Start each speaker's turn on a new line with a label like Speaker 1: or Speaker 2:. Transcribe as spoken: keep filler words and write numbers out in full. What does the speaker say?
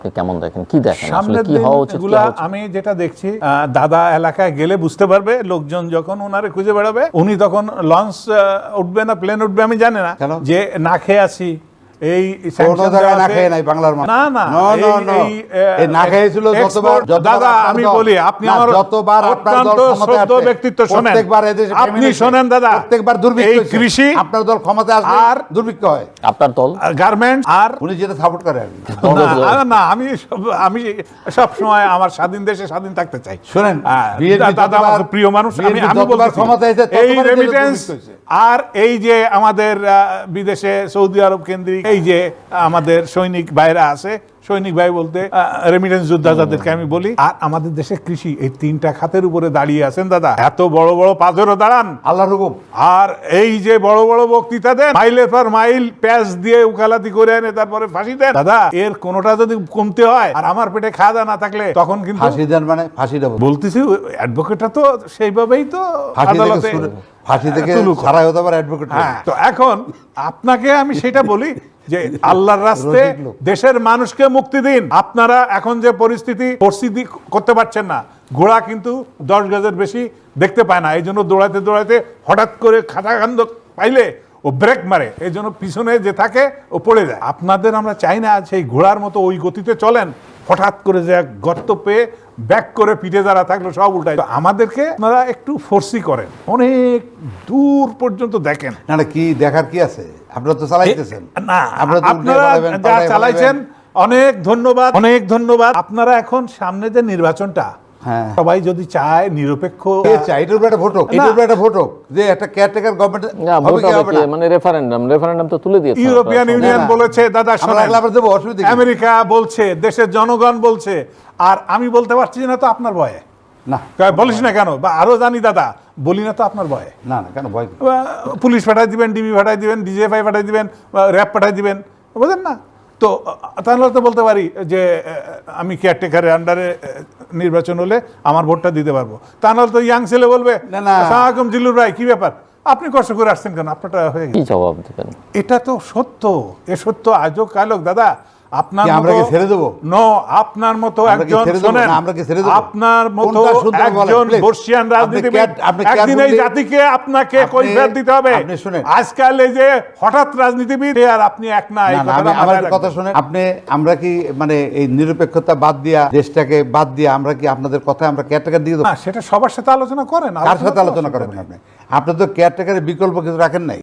Speaker 1: কেমন দেখেন, কি দেখেন, আসলে কি হওয়া উচিত?
Speaker 2: আমি যেটা দেখছি, দাদা এলাকায় গেলে বুঝতে পারবে, লোকজন যখন ওনারে খুঁজে বেড়াবে, উনি তখন লঞ্চ উঠবে না প্লেন উঠবে আমি জানি না, যে না খেয়ে আছি এই
Speaker 3: না খেয়ে নাই বাংলার মানুষ।
Speaker 2: না না
Speaker 3: এই না খেয়েছিল যতবার।
Speaker 2: দাদা আমি বলি, আপনি আমার
Speaker 3: যতবার আপনার দল ক্ষমতায় আসে,
Speaker 2: ব্যক্তিত্ব শোনেন,
Speaker 3: প্রত্যেকবার এদেশে
Speaker 2: আপনি শোনেন দাদা,
Speaker 3: প্রত্যেকবার দুর্ভিক্ষ
Speaker 2: এই কৃষি
Speaker 3: আপনার দল ক্ষমতায় আসলে আর দুর্ভিক্ষ হয়।
Speaker 1: আপনার দল
Speaker 2: গার্মেন্টস আর
Speaker 3: উনি যেটা সাপোর্ট করেন
Speaker 2: না, আমি আমি সব সময় আমার স্বাধীন দেশে স্বাধীন থাকতে চাই।
Speaker 3: শুনেন,
Speaker 2: দাদা আমার প্রিয় মানুষ, আমি আমি বলছি এই রেমিটেন্স আর এই যে আমাদের বিদেশে সৌদি আরব কেন্দ্রিক এই যে আমাদের সৈনিক ভাইরা আছে, সৈনিক ভাই বলতে রেমিটেন্স যোদ্ধা যাদেরকে আমি বলি, আর আমাদের দেশে কৃষি, এই তিনটা খাতের উপরে দাঁড়িয়ে আছেন দাদা। এত বড় বড় পাথরও দাঁড়ান
Speaker 3: আল্লাহর হুকুম,
Speaker 2: আর এই যে বড় বড় বক্তৃতা দেন, মাইলের পর মাইল প্যাচ দিয়ে উকালাতি করে এনে তারপরে ফাঁসি দেন। দাদা এর কোনোটা যদি কমতে হয় আর আমার পেটে খাওয়া দাওয়া না থাকলে তখন কিন্তু
Speaker 3: ফাঁসি দেন, মানে ফাঁসি দেব
Speaker 2: বলতেছি, অ্যাডভোকেটটা তো সেইভাবেই তো আদালতে
Speaker 3: ফাঁসি থেকে ছাড়াই হতে পারে অ্যাডভোকেট।
Speaker 2: হ্যাঁ, তো এখন আপনাকে আমি সেটা বলি যে আল্লাহর রাস্তায় দেশের মানুষকে মুক্তি দিন। আপনারা এখন যে পরিস্থিতি পরিস্থিতি করতে পারছেন না, ঘোড়া কিন্তু দশ গজের বেশি দেখতে পায় না, এই জন্য দৌড়াতে দৌড়াতে হঠাৎ করে খাতা কান্দ পাইলে ও ব্রেক মারে, এই জন্য পিছনে যে থাকে ও পড়ে যায়। আপনাদের আমরা চাই না সেই ঘোড়ার মতো ওই গতিতে চলেন, হঠাৎ করে যে গর্ত পেয়ে ব্যাক করে পিঠে যারা থাকলো সব উল্টায়। আমাদেরকে আপনারা একটু ফোর্সি করেন, অনেক দূর পর্যন্ত দেখেন।
Speaker 3: না না, কি দেখার কি আছে? আপনারা তো চালাইতেছেন
Speaker 2: না, আপনারা যা চালাইছেন অনেক ধন্যবাদ, অনেক ধন্যবাদ। আপনারা এখন সামনে যে নির্বাচনটা, সবাই যদি চায় নিরপেক্ষ,
Speaker 3: এটার উপরে একটা ভোট হোক, এটার উপরে একটা ভোট হোক, যে একটা কেয়ারটেকার গভর্নমেন্ট হবে কি হবে না,
Speaker 1: মানে রেফারেন্ডাম রেফারেন্ডম তো তুলে দিয়েছে।
Speaker 2: ইউরোপিয়ান ইউনিয়ন বলেছে, দাদা শোনেন, আমেরিকা বলছে, দেশের জনগণ বলছে, আর আমি বলতে পারছি না তো আপনার ভয়ে।
Speaker 3: না
Speaker 2: বলিস না কেন, বা আরো জানি দাদা, বলি না তো আপনার ভয়ে।
Speaker 3: না না কেন ভয়?
Speaker 2: পুলিশ পাঠাই দিবেন, ডিবি পাঠাই দিবেন, ডিজিএফআই পাঠাই দিবেন, র্যাব পাঠাই দিবেন, বুঝলেন না? তো তাহলে তো বলতে পারি যে আমি কেয়ারটেকারের আন্ডারে নির্বাচন হলে আমার ভোটটা দিতে পারবো। তাহলে তো ইয়াং ছেলে বলবে, আসসালামু জিল্লুর ভাই কি ব্যাপার, আপনি কষ্ট করে আসছেন কেন, আপনারটা হয়ে গেছে।
Speaker 1: কি জবাব দিবেন?
Speaker 2: এটা তো সত্য, এ সত্য আজও কালক দাদা। আপনার
Speaker 3: আমরা কি ছেড়ে দেব?
Speaker 2: নো, আপনার মতো একজন, শুনেন,
Speaker 3: আমরা কি ছেড়ে দেব?
Speaker 2: আপনার মতো একজন বর্ষিয়ান রাজনীতিবিদ একদিন এই জাতিকে আপনাকে কৈফিয়ত দিতে হবে।
Speaker 3: আপনি শুনেন,
Speaker 2: আজকাল এই যে হঠাৎ রাজনীতিবিদ আর আপনি এক না, এই কথাটা
Speaker 3: আমার কথা শুনেন আপনি। আমরা কি মানে এই নিরপেক্ষতা বাদ দিয়া, দেশটাকে বাদ দিয়া, আমরা কি আপনাদের কথা আমরা কেয়ারটেকার দিয়ে দেব?
Speaker 2: না, সেটা সবার সাথে আলোচনা করেন।
Speaker 3: কার সাথে আলোচনা করবেন আপনি? আপনি তো কেয়ারটেকারের বিকল্প কিছু রাখেন নাই।